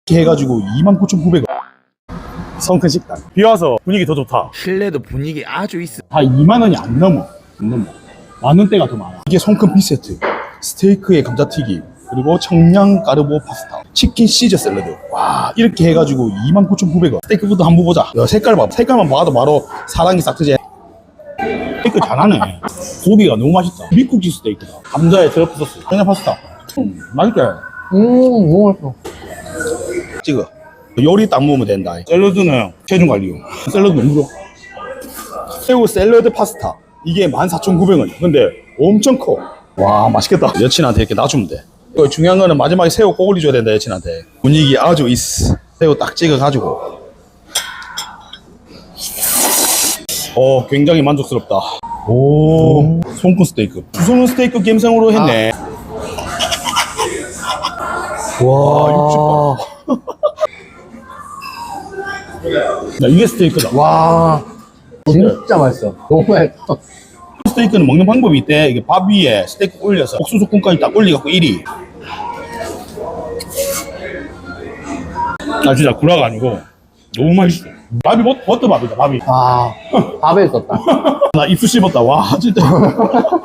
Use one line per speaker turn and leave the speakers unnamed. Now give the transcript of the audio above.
이렇게 해가지고 29,900원. 성큰 식당. 비와서 분위기 더 좋다.
실내도 분위기 아주 있어.
다 2만 원이 안 넘어. 만 원대가 더 많아. 이게 성큰 B세트. 스테이크에 감자튀김. 그리고 청양 까르보 파스타. 치킨 시저 샐러드. 와, 이렇게 해가지고 29,900원. 스테이크부터 한번 보자. 야, 색깔 봐. 색깔만 봐도 바로 사랑이 싹 트지. 스테이크 잘하네. 고기가 너무 맛있다. 미국지 스테이크다. 감자에 드러프 소스. 청양 파스타. 맛있게.
너무 맛있어.
찍어. 요리 딱 먹으면 된다. 샐러드는 체중 관리용. 샐러드 너무 좋아. 새우 샐러드 파스타. 이게 14,900원. 근데 엄청 커. 와, 맛있겠다. 여친한테 이렇게 놔주면 돼. 중요한 거는 마지막에 새우 꼭 올려줘야 된다, 여친한테. 분위기 아주 있어. 새우 딱 찍어가지고. 굉장히 만족스럽다. 오, 손끝 스테이크. 주소는 스테이크 갬성으로 했네. 와, 60번. 야, 이게 스테이크다.
와, 진짜 맛있어. 너무 맛있어.
스테이크는 먹는 방법이 있대. 이게 밥 위에 스테이크 올려서 옥수수콘까지 딱 올려갖고 1위. 나 진짜 구라가 아니고 너무 맛있어. 밥이 버터밥이다, 밥이.
아, 밥에 있었다.
나 입술 씹었다. 와, 진짜.